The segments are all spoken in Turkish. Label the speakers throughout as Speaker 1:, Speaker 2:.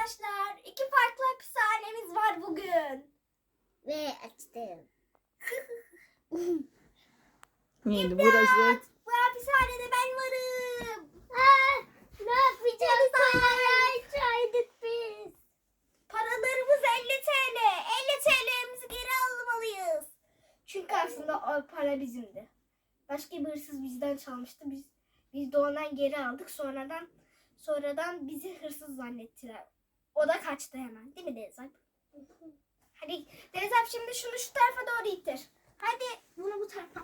Speaker 1: arkadaşlar. İki farklı hapishanemiz var bugün.
Speaker 2: Ve açtım.
Speaker 3: Neydi burası?
Speaker 1: Bu hapishanede ben varım.
Speaker 2: Ne yapacağız? Parayı çaydık biz.
Speaker 1: Paralarımız 50 TL. 50 TL'mizi geri almalıyız. Çünkü aslında o para bizimdi. Başka bir hırsız bizden çalmıştı. Biz de ondan geri aldık. Sonradan bizi hırsız zannettiler. O da kaçtı hemen. Değil mi Deniz Alp? Hadi Deniz Alp şimdi şunu şu tarafa doğru ittir. Hadi bunu bu tarafa.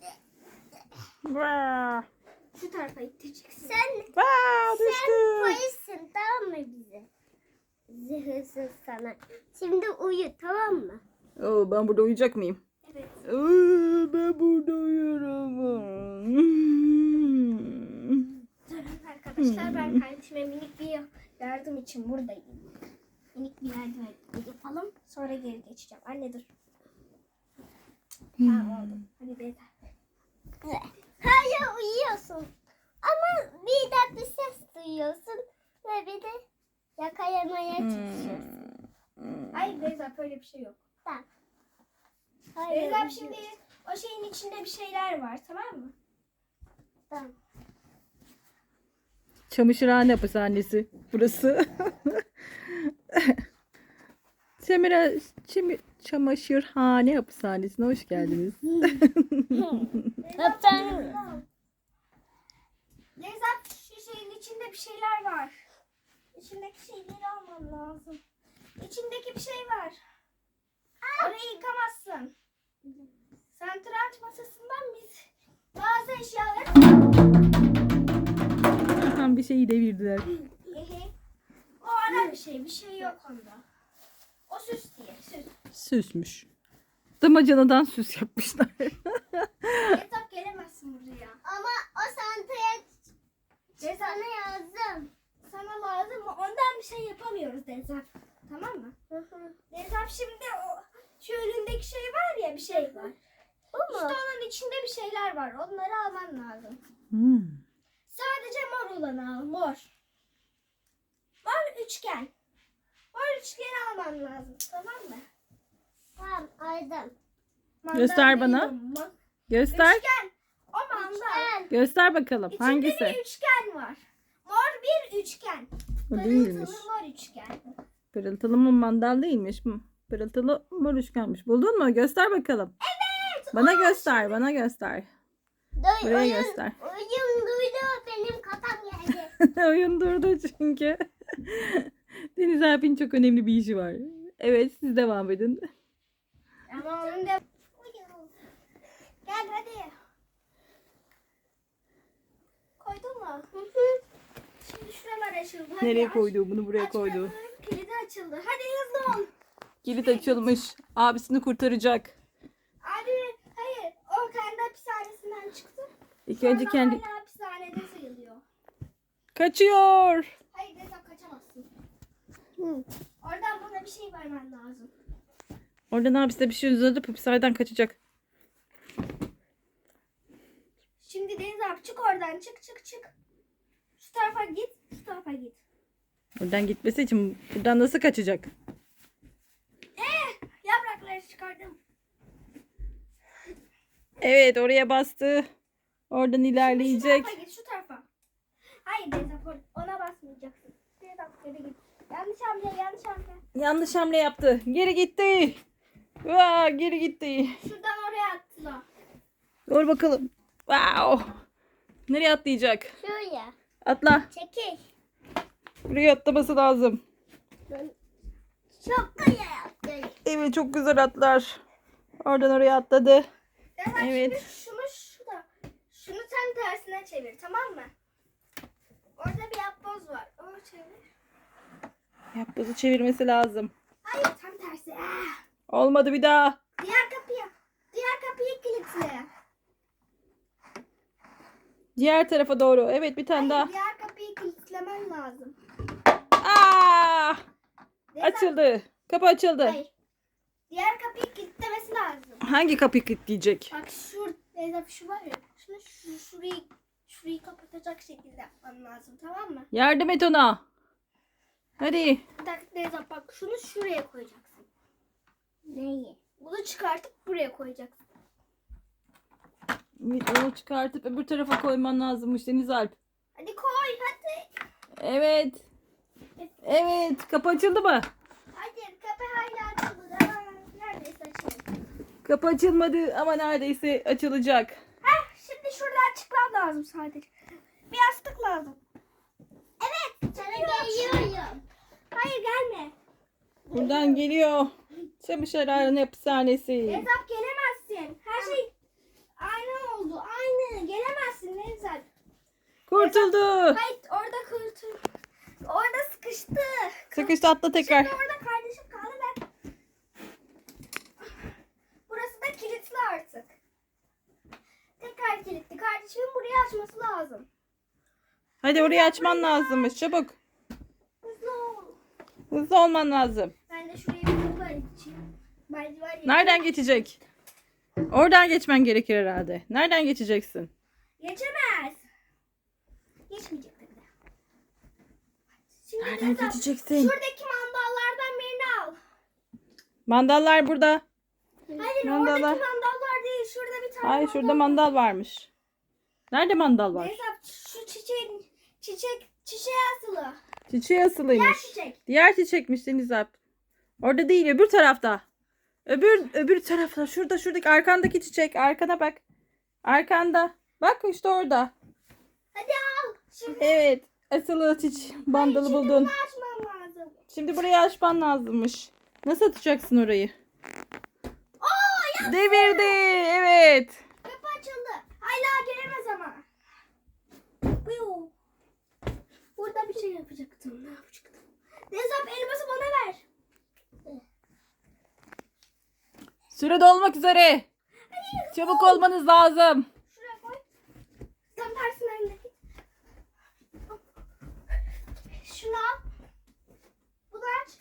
Speaker 3: Vaa!
Speaker 1: Şu tarafa ittireceksin.
Speaker 3: Vaa, düştü.
Speaker 2: Polissin, tamam mı bize? Zırhsız sana. Şimdi uyu, tamam mı?
Speaker 3: Oo, ben burada uyuyacak mıyım?
Speaker 1: Evet.
Speaker 3: Oo, ben burada uyuyorum.
Speaker 1: Durun arkadaşlar, ben kardeşime minik bir yardım için buradayım. Minik bir yardım yapalım. Sonra geri geçeceğim. Anne dur. Tamam oldu. Hadi Beyza.
Speaker 2: Hayır, uyuyorsun. Ama bir de bir ses duyuyorsun. Ve bir de yakalamaya çalışıyorsun.
Speaker 1: Hayır Beyza, böyle bir şey yok.
Speaker 2: Tamam. Hayır,
Speaker 1: Beyza
Speaker 2: uyuyorsun.
Speaker 1: şimdi o şeyin içinde bir şeyler var, tamam mı?
Speaker 2: Tamam.
Speaker 3: Çamaşırhane hapishanesi burası. Çamaşırhane hapishanesine hoş geldiniz.
Speaker 2: Hapishane.
Speaker 1: Beyza, şu şeyin içinde bir şeyler var. İçindeki şeyleri almam lazım. İçindeki bir şey var. Orayı yıkamazsın. Satranç masasından biz bazı eşyaları...
Speaker 3: Aha, bir şeyi devirdiler.
Speaker 1: O ara bir şey yok onda. O süs diye, süs.
Speaker 3: Süsmüş. Damacanadan süs yapmışlar.
Speaker 1: Yatak gelemezsin buraya.
Speaker 2: Ama o santaya
Speaker 1: Dezap,
Speaker 2: sana yazdım.
Speaker 1: sana lazım mı? Ondan bir şey yapamıyoruz Dezap. Tamam mı? Dezap şimdi şu önündeki şey var ya, bir şey var.
Speaker 2: Bu
Speaker 1: İşte
Speaker 2: mu?
Speaker 1: onun içinde bir şeyler var. Onları alman lazım.
Speaker 3: Hmm.
Speaker 1: Sadece mor olanı al, mor. Mor üçgen. Mor üçgeni alman lazım, tamam mı?
Speaker 2: Tamam, aldım.
Speaker 3: Göster bana.
Speaker 1: Mandalina,
Speaker 3: Göster.
Speaker 1: Üçgen. O mandal.
Speaker 3: Göster bakalım.
Speaker 1: İçinde
Speaker 3: Hangisi?
Speaker 1: bir üçgen var. Mor bir üçgen.
Speaker 3: O değilmiş.
Speaker 1: Pırıltılı mor üçgen.
Speaker 3: Pırıltılı mı mandal değilmiş mi? Pırıltılı mor üçgenmiş. Buldun mu? Göster bakalım.
Speaker 1: Evet.
Speaker 3: Bana göster. Bana göster. Buraya göster.
Speaker 2: Oyun duydu, benim kafam geldi.
Speaker 3: Oyun durdu çünkü. Deniz Alp'in çok önemli bir işi var. Evet, siz devam edin.
Speaker 1: Ama onun da... Gel hadi. Koydun mu? Şimdi şuralar açıldı. Hadi
Speaker 3: Nereye
Speaker 1: aç.
Speaker 3: koydu? Bunu buraya
Speaker 1: Aç
Speaker 3: koydu.
Speaker 1: bakalım. Kilidi açıldı. Hadi hızlı ol.
Speaker 3: Kilit açılmış. Abisini kurtaracak.
Speaker 1: Abi hayır. O kendi hapishanesinden çıktı.
Speaker 3: İlk önce
Speaker 1: Sonra
Speaker 3: kendi...
Speaker 1: hala hapishanede sayılıyor.
Speaker 3: Kaçıyor.
Speaker 1: Hayır Nezap, kaçamazsın.
Speaker 2: Hı.
Speaker 1: Oradan bana bir şey vermen lazım.
Speaker 3: Oradan abisi de bir şey uzatıp hapishaneden kaçacak.
Speaker 1: Şimdi Deniz abi çık oradan, çık. Şu tarafa git, şu tarafa git.
Speaker 3: Oradan gitmesi için buradan nasıl kaçacak?
Speaker 1: Yaprakları çıkardım.
Speaker 3: Evet, oraya bastı. Oradan
Speaker 1: Şu
Speaker 3: ilerleyecek.
Speaker 1: tarafa git, şu tarafa. Hayır Deniz abi, ona basmayacaksın. Deniz abi geri git. Yanlış hamle.
Speaker 3: Yanlış hamle yaptı. Geri gitti. Vaa, geri gitti.
Speaker 1: Şuradan oraya attılar.
Speaker 3: Dur bakalım. Wow. Nereye atlayacak?
Speaker 2: Şuraya.
Speaker 3: Atla.
Speaker 2: Çekil.
Speaker 3: Buraya atlaması lazım.
Speaker 2: Çok güzel yaptın.
Speaker 3: Evet, çok güzel atlar. Oradan oraya atladı.
Speaker 1: Deniz abi
Speaker 3: Evet.
Speaker 1: şimdi şunu tam tersine çevir, tamam mı? Orada bir yapboz var. Onu çevir.
Speaker 3: Yapbozu çevirmesi lazım.
Speaker 1: Hayır, tam tersi.
Speaker 3: Olmadı, bir daha.
Speaker 1: Diğer kapıyı kilitle.
Speaker 3: Diğer tarafa doğru. Evet, bir tane daha.
Speaker 1: Diğer kapıyı kilitlemen lazım.
Speaker 3: Aa!
Speaker 1: Deniz
Speaker 3: Açıldı. Kapı açıldı.
Speaker 1: Hayır. Diğer kapıyı kilitlemesi lazım.
Speaker 3: Hangi kapıyı kilitleyecek?
Speaker 1: Bak şu var ya. Şurayı kapatacak şekilde yapman lazım, tamam mı?
Speaker 3: Yardım et ona. Hadi.
Speaker 1: taktik Nevzat, bak şunu şuraya koyacaksın.
Speaker 2: Neyi?
Speaker 1: Bunu çıkartıp buraya koyacaksın.
Speaker 3: Onu çıkartıp öbür tarafa koyman lazımmış Deniz Alp.
Speaker 1: Hadi koy hadi.
Speaker 3: Evet. Evet. Kapı açıldı mı?
Speaker 1: Hadi kapı hala açıldı. Aa, neredeyse açıldı.
Speaker 3: Kapı açılmadı ama neredeyse açılacak.
Speaker 1: Heh, şimdi şuradan çıkmam lazım sadece. Bir yastık lazım. Evet.
Speaker 2: Sana geliyorum.
Speaker 1: Hayır gelme.
Speaker 3: Buradan geliyor. Çamaşırhane hapishanesi.
Speaker 1: Nevzat gelemezsin. Her şey aynı oldu. Aynı. Gelemezsin Nevzat.
Speaker 3: Kurtuldu.
Speaker 1: Hayır orada kurtul. Orada sıkıştı.
Speaker 3: Sıkıştı, atla tekrar.
Speaker 1: Şimdi orada kardeşim kaldı ve burası da kilitli artık. Tekrar kilitli. Kardeşimin burayı açması lazım.
Speaker 3: Hadi orayı açman lazımmış. Çabuk.
Speaker 1: Hızlı ol.
Speaker 3: Hızlı olman lazım.
Speaker 1: Ben de şuraya bir kapı açayım. Merdiven yapayım.
Speaker 3: Nereden geçecek? Oradan geçmen gerekir herhalde. Nereden geçeceksin?
Speaker 1: Geçemez. Geçmeyecek tabii de. Şimdi
Speaker 3: Nereden
Speaker 1: Nevzat,
Speaker 3: geçeceksin?
Speaker 1: şuradaki mandallardan birini al.
Speaker 3: Mandallar burada.
Speaker 1: Hayır
Speaker 3: Mandallar.
Speaker 1: oradaki mandallar değil. Şurada bir tane
Speaker 3: Hayır, şurada mandal varmış. Nerede mandal var?
Speaker 1: Nevzat şu çiçeğe asılı.
Speaker 3: Çiçeği
Speaker 1: Diğer
Speaker 3: asılıymış.
Speaker 1: çiçek.
Speaker 3: Diğer çiçekmiş Deniz Alp. Orada değil, öbür tarafta. Öbür tarafta. Şuradaki arkandaki çiçek. Arkana bak. Arkanda. Bak işte orada.
Speaker 1: Hadi al. Şimdi
Speaker 3: Evet. Asılı bandalı
Speaker 1: şimdi
Speaker 3: buldun.
Speaker 1: bunu açmam lazım.
Speaker 3: Şimdi burayı açman lazımmış. Nasıl atacaksın orayı?
Speaker 1: Oo ya
Speaker 3: Devirdi. Evet.
Speaker 1: kapı açıldı. Hala gelemez ama. Buyur. Burada bir şey yapacaktım. Ne yapacaktım? Nevzat elması bana ver.
Speaker 3: Süre dolmak üzere. Çabuk olmanız lazım.
Speaker 1: Şuraya koy. Tam tersinden de git. Şunu al. Bunu aç.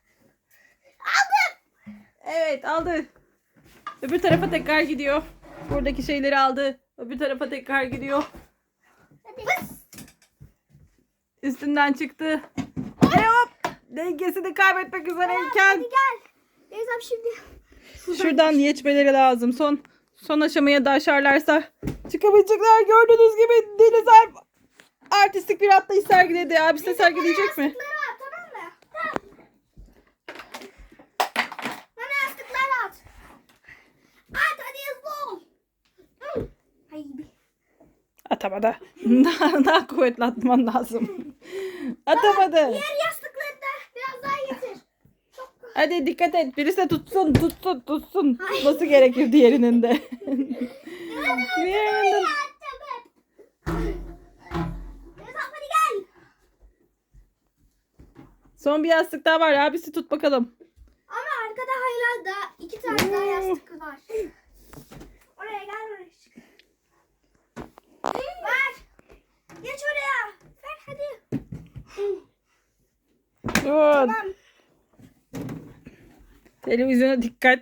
Speaker 1: Aldım.
Speaker 3: Evet, aldı. Öbür tarafa tekrar gidiyor. Buradaki şeyleri aldı. Öbür tarafa tekrar gidiyor.
Speaker 1: Hadi. Bıs.
Speaker 3: Üstünden çıktı. Ve hop! Dengesini kaybetmek üzereyken
Speaker 1: Hadi gel. Nevzat şimdi.
Speaker 3: şuradan geçmeleri lazım. Son aşamaya da aşarlarsa çıkabilecekler. Gördüğünüz gibi Deniz Alp artistik bir atlayış sergiledi. Abisi de sergileyecek mi?
Speaker 1: Yastıkları at, tamam mı? Tamam. Bana yastıkları at. At hadi hızlı ol. Hı. Haydi.
Speaker 3: Atamadı. Daha kuvvetli atman lazım. Atamadı.
Speaker 1: Diğer yastıkları da biraz daha getir. Çok
Speaker 3: Hadi dikkat et. Birisi de tutsun. Tutması gerekir diğerinin de. Diğerinin de.
Speaker 1: Nevzat hadi gel.
Speaker 3: Son bir yastık daha var. Abisi tut bakalım.
Speaker 1: Ama arkada hala da 2 tane daha yastık var. Oraya gel oraya çık. Ver. Geç oraya. Ver hadi.
Speaker 3: Dur.
Speaker 1: Tamam.
Speaker 3: Televizyona dikkat.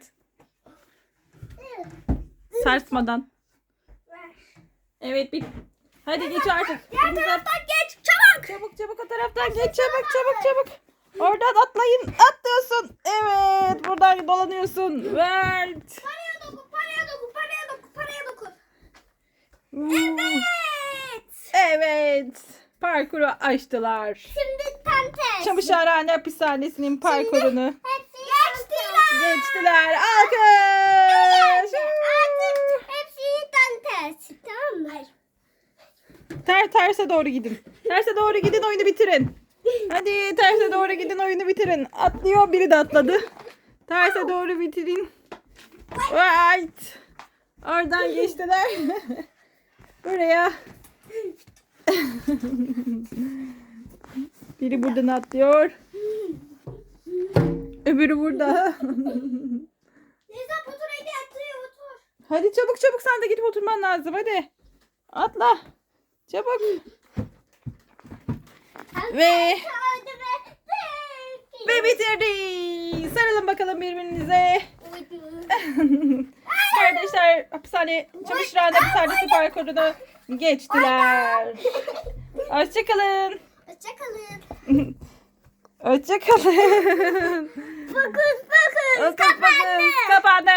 Speaker 3: Sarsmadan.
Speaker 1: Ver.
Speaker 3: Evet bir. Hadi geç artık.
Speaker 1: Diğer taraftan geç. Çabuk.
Speaker 3: Çabuk o taraftan geç. Çabuk. Oradan atlayın. Atlıyorsun. Evet. Buradan dolanıyorsun. Ver.
Speaker 1: Paraya dokun. Paraya dokun.
Speaker 3: Evet.
Speaker 1: Evet.
Speaker 3: Evet. Parkuru açtılar.
Speaker 2: Şimdi tam tersi.
Speaker 3: Çamaşırhane hapishanesinin parkurunu
Speaker 2: Hepsi
Speaker 3: geçtiler. Alkış.
Speaker 2: Artık hepsi tam tersi. Tamam mı?
Speaker 3: Terse doğru gidin. Terse doğru gidin, oyunu bitirin. Hadi terse doğru gidin, oyunu bitirin. Atlıyor, biri de atladı. Terse doğru bitirin. Right. Oradan geçtiler. Buraya. Biri buradan atlıyor. Öbürü burada.
Speaker 1: Nevzat otur hadi atlıyor otur.
Speaker 3: Hadi çabuk sen de gidip oturman lazım, hadi. Atla. Çabuk. Ve bitirdik. Sarılın bakalım birbirinize. Kardeşler çamaşırhane hapishanesi parkurunu geçtiler. Hoşçakalın.
Speaker 1: Hoşçakalın.
Speaker 3: Hoşçakalın.
Speaker 2: Fokus fokus.
Speaker 3: Kapandı.